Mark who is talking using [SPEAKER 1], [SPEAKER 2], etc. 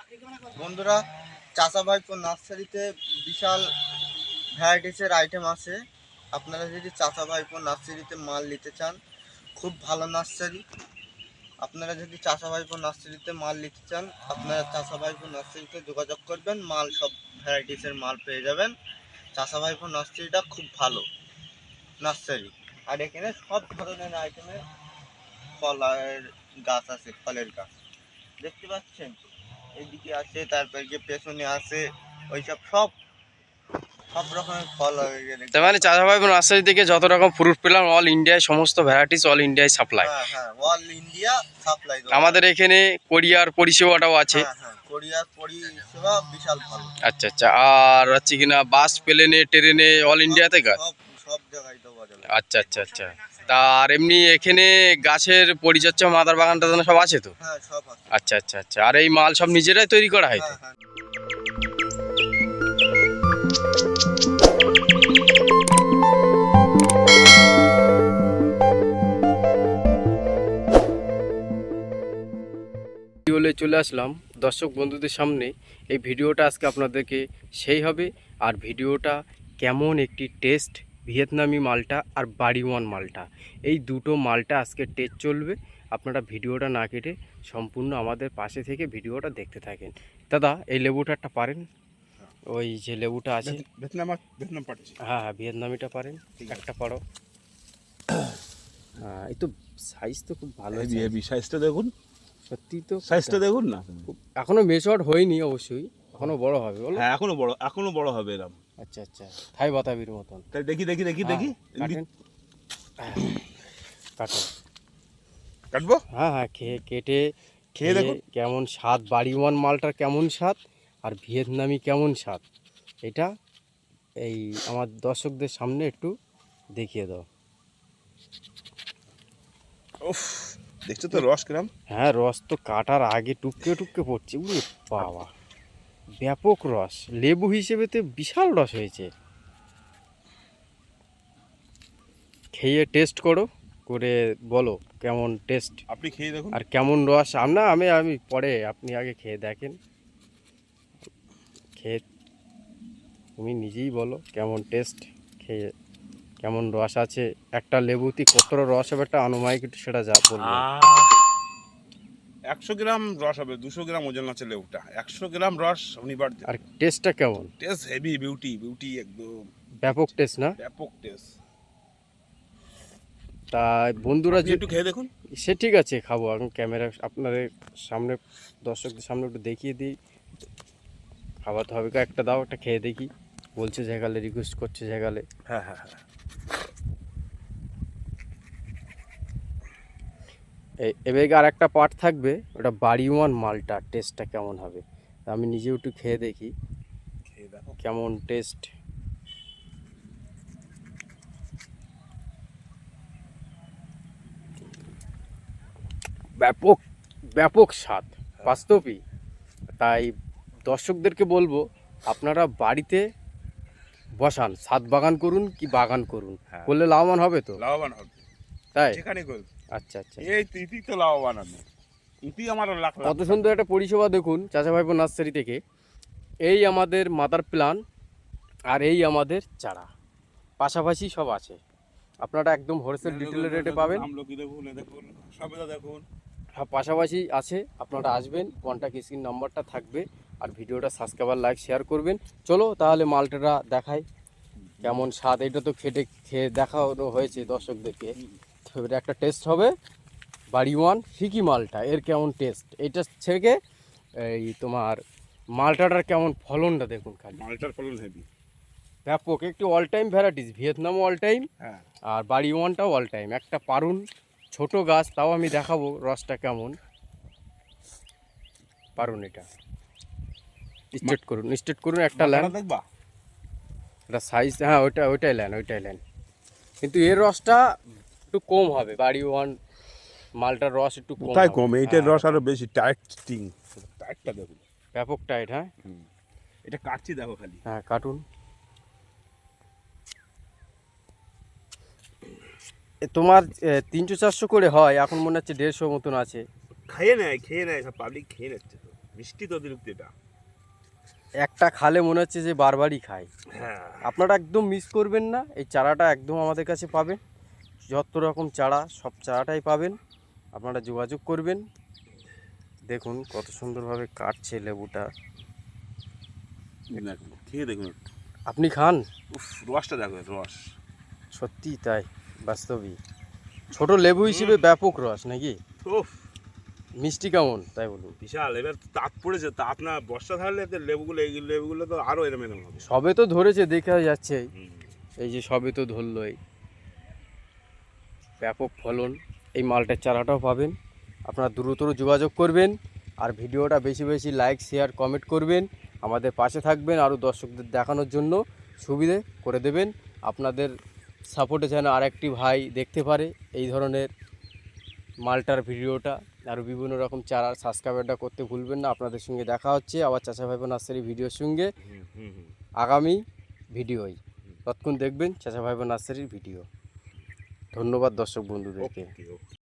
[SPEAKER 1] বন্ধুরা, চাচা ভাইপো নার্সারিতে বিশাল ভ্যারাইটিসের আইটেম আছে। আপনারা যদি চাচা ভাইপো নার্সারিতে মাল নিতে চান, খুব ভালো নার্সারি। আপনারা যদি চাচা ভাইপো নার্সারিতে মাল নিতে চান, আপনারা চাচা ভাইপো নার্সারিতে যোগাযোগ করবেন, মাল সব ভ্যারাইটিসের মাল পেয়ে যাবেন। চাচা ভাইপো নার্সারিটা খুব ভালো নার্সারি। আর এখানে সব ধরনের আইটেমের ফলের গাছ আছে, ফলের গাছ দেখতে পাচ্ছেন। এইদিকে আছে, তারপর যে পেছনে আছে, ওইসব সব সব রকমের ফল।
[SPEAKER 2] তার মানে চাচা ভাই নার্সারি থেকে যত রকম ফ্রুট পেলাম অল ইন্ডিয়ায় সমস্ত ভ্যারাইটিস অল ইন্ডিয়ায় সাপ্লাই।
[SPEAKER 1] হ্যাঁ হ্যাঁ, অল ইন্ডিয়া সাপ্লাই।
[SPEAKER 2] আমাদের এখানে কোরিয়ার পরিষেবাটাও আছে।
[SPEAKER 1] হ্যাঁ হ্যাঁ, কোরিয়ার পরিষেবা বিশাল ভালো।
[SPEAKER 2] আচ্ছা আচ্ছা, আর হচ্ছে কিনা বাস প্লেনে ট্রেনে অল ইন্ডিয়াতে কাজ?
[SPEAKER 1] সব সব জায়গায় দেওয়া যাবে।
[SPEAKER 2] আচ্ছা আচ্ছা আচ্ছা, তা আর এমনি এখানে গাছের পরিচর্যা মাদার বাগান টাগান সব আছে তো?
[SPEAKER 1] হ্যাঁ সব আছে।
[SPEAKER 2] আচ্ছা আচ্ছা আচ্ছা, আর এই মাল সব নিজেরাই তৈরি করা হয় তো?
[SPEAKER 1] হ্যাঁ হ্যাঁ।
[SPEAKER 2] চলে আসলাম দর্শক বন্ধুদের সামনে। এই ভিডিওটা আজকে আপনাদেরকে সেই হবে, আর ভিডিওটা কেমন একটি টেস্ট ভিয়েতনামি মালটা আর বাড়ি ওয়ান মালটা, এই দুটো মালটা আজকে টেস্ট চলবে। আপনারা ভিডিওটা না কেটে সম্পূর্ণ আমাদের পাশে থেকে ভিডিওটা দেখতে থাকেন। দাদা, এই লেবুটা একটা পারেন? ওই যে লেবুটা আছে
[SPEAKER 3] ভিয়েতনাম পাচ্ছি।
[SPEAKER 2] হ্যাঁ হ্যাঁ, ভিয়েতনামিটা পারেন, একটা পারো। হ্যাঁ, এই তো সাইজ তো খুব ভালো হয়েছে।
[SPEAKER 3] সাইজটা দেখুন,
[SPEAKER 2] সত্যি তো
[SPEAKER 3] সাইজটা দেখুন না।
[SPEAKER 2] এখনো মেচুয়ার্ড হয়নি অবশ্যই, এখনো বড় হবে বলো।
[SPEAKER 3] হ্যাঁ, এখনো বড় হবে এরকম।
[SPEAKER 2] আচ্ছা আচ্ছা, থাই বাতাবির মতন।
[SPEAKER 3] তাই দেখি দেখি দেখি দেখি
[SPEAKER 2] কাটেন, কাটেন।
[SPEAKER 3] কাটবো।
[SPEAKER 2] হ্যাঁ হ্যাঁ, কেটে
[SPEAKER 3] খেয়ে দেখুন
[SPEAKER 2] কেমন স্বাদ, বাড়ি ওয়ান মালটার কেমন স্বাদ আর ভিয়েতনামি কেমন স্বাদ, এটা এই আমার দর্শকদের সামনে একটু দেখিয়ে দাও।
[SPEAKER 3] উফ, দেখছো তো রস কিরম?
[SPEAKER 2] হ্যাঁ, রস তো কাটার আগে টুপকে টুপকে পড়ছে। উরে বাবা, ব্যাপক রস, লেবু হিসেবে তো বিশাল রস হয়েছে। খেয়ে টেস্ট করো, করে বলো কেমন টেস্ট।
[SPEAKER 3] আপনি খেয়ে দেখুন।
[SPEAKER 2] আর কেমন রস। আমি পরে, আপনি আগে খেয়ে দেখেন। খেয়ে তুমি নিজেই বলো কেমন টেস্ট, খেয়ে কেমন রস আছে। একটা লেবুতে কতটা রস হবে একটা আনুমানিক একটু সেটা যা বলবো।
[SPEAKER 3] 100 গ্রাম রস হবে, 200 গ্রাম ওজন আছে লেবুটা। 100 গ্রাম রস অনিবার্য।
[SPEAKER 2] আর টেস্টটা কেমন?
[SPEAKER 3] টেস্ট হেভি, বিউটি একদম
[SPEAKER 2] ব্যাপক টেস্ট না?
[SPEAKER 3] ব্যাপক টেস্ট।
[SPEAKER 2] তা বন্ধুরা
[SPEAKER 3] একটু খেয়ে দেখুন।
[SPEAKER 2] সে ঠিক আছে, খাবো। এখন ক্যামেরা আপনাদের সামনে, দর্শকদের সামনে একটু দেখিয়ে দিই। খাওয়াতে হবে, একটা দাও, একটা খেয়ে দেখি। বলছে জায়গালে, রিকোয়েস্ট করছে জায়গালে।
[SPEAKER 3] হ্যাঁ হ্যাঁ হ্যাঁ,
[SPEAKER 2] এবার আর একটা পার্ট থাকবে, ওটা বাড়ি ওয়ান মালটা টেস্টটা কেমন হবে। আমি নিজেও একটু খেয়ে দেখি
[SPEAKER 3] খেয়ে দেখো
[SPEAKER 2] কেমন টেস্ট। ব্যাপক ব্যাপক স্বাদ, বাস্তবই। তাই দর্শকদেরকে বলবো, আপনারা বাড়িতে বসান, ছাদ বাগান করুন কি বাগান করুন, করলে লাভবান হবে তো?
[SPEAKER 3] লাভবান হবে,
[SPEAKER 2] তাই?
[SPEAKER 3] যেখানে করুন।
[SPEAKER 2] আচ্ছা আচ্ছা,
[SPEAKER 3] এই তিতি তো লাভবান হবে। তিতি আমার লাখ লাখ।
[SPEAKER 2] কত সুন্দর একটা পরিষেবা দেখুন চাচা ভাইপো নার্সারি থেকে। এই আমাদের মাদার প্ল্যান আর এই আমাদের চারা পাশাপাশি সব আছে। আপনারা একদম হোলসেল ডিটেল রেটে পাবেন।
[SPEAKER 3] আমলকি দেখুন, দেখুন সবেদা দেখুন,
[SPEAKER 2] সব পাশাপাশি আছে। আপনারা আসবেন, কন্ট্যাক্ট স্ক্রিন নাম্বারটা থাকবে। আর ভিডিওটা সাবস্ক্রাইব, লাইক, শেয়ার করবেন। চলো তাহলে মালটাটা দেখাই কেমন স্বাদ। এটা তো খেয়ে দেখানো হয়েছে দর্শকদেরকে, তো এটা একটা টেস্ট হবে। বাড়ি ওয়ান ফিকি মালটা, এর কেমন টেস্ট, এটা থেকে এই তোমার মালটাটার কেমন ফলনটা দেখুন খালি।
[SPEAKER 3] মালটার ফলন হেভি,
[SPEAKER 2] ব্যাপক একটি অল টাইম ভ্যারাইটিস। ভিয়েতনামও অল টাইম,
[SPEAKER 3] হ্যাঁ।
[SPEAKER 2] আর বাড়ি ওয়ানটাও অল টাইম। একটা পারুন, ছোট গাছ, তাও আমি দেখাবো রসটা কেমন। পারুন, এটা স্টেট করুন একটা ল্যান
[SPEAKER 3] দেখবা,
[SPEAKER 2] এটা সাইজ। হ্যাঁ, ওইটাই ল্যান। কিন্তু এর রসটা একটু কম হবে, বাড়ি ওয়ান মালটার রস একটু কম।
[SPEAKER 3] তাই কম, এইটার রস আরো বেশি টাইট স্টিং। টাইটটা দেখুন,
[SPEAKER 2] ব্যাপক টাইট। হ্যাঁ,
[SPEAKER 3] এটা কাটছি দেখো খালি।
[SPEAKER 2] হ্যাঁ কার্টুন। তোমার 300-400 করে হয়, এখন মনে হচ্ছে 150 মতন আছে।
[SPEAKER 3] খেয়ে নেয় সব পাবলিক খেয়ে নিচ্ছে তো। মিষ্টি তো অতিরিক্ত এটা।
[SPEAKER 2] একটা খালে মনে হচ্ছে যে বারবারই খায়।
[SPEAKER 3] হ্যাঁ
[SPEAKER 2] আপনারা একদম মিস করবেন না, এই চারাটা একদম আমাদের কাছে পাবেন, যত রকম চারা সব চারাটাই পাবেন, আপনারা যোগাযোগ করবেন। দেখুন কত সুন্দরভাবে কাটছে লেবুটা,
[SPEAKER 3] দেখুন খেয়ে দেখুন একটু।
[SPEAKER 2] আপনি খান।
[SPEAKER 3] উফ, রসটা দেখো, রস
[SPEAKER 2] সত্যি তাই, বাস্তবিক ছোট লেবু হিসেবে ব্যাপক রস নাকি,
[SPEAKER 3] উফ
[SPEAKER 2] মিষ্টি কেমন তাই বলুন।
[SPEAKER 3] বিশাল। এবার তো তাপ পড়েছে, তাপ না বর্ষা থাকলে তো লেবুগুলো, এই লেবুগুলো তো আরো এরম এরম হবে।
[SPEAKER 2] সবে তো ধরেছে, দেখা যাচ্ছে
[SPEAKER 3] হুম।
[SPEAKER 2] এই যে সবে তো ধরলো, এই ব্যাপক ফলন। এই মালটার চারাটাও পাবেন, আপনারা দ্রুত যোগাযোগ করবেন, আর ভিডিওটা বেশি বেশি লাইক শেয়ার কমেন্ট করবেন, আমাদের পাশে থাকবেন, আরও দর্শকদের দেখানোর জন্য সুবিধে করে দেবেন। আপনাদের সাপোর্টে যেন আরেকটি ভাই দেখতে পারে এই ধরনের মালটার ভিডিওটা, আরও বিভিন্ন রকম চারা। সাবস্ক্রাইবটা করতে ভুলবেন না। আপনাদের সঙ্গে দেখা হচ্ছে আবার চাচা ভাইপো নার্সারি ভিডিওর সঙ্গে আগামী ভিডিওয়। ততক্ষণ দেখবেন চাচা ভাইপো নার্সারির ভিডিও। ধন্যবাদ দর্শক বন্ধুদেরকে।
[SPEAKER 3] ওকে, ওকে।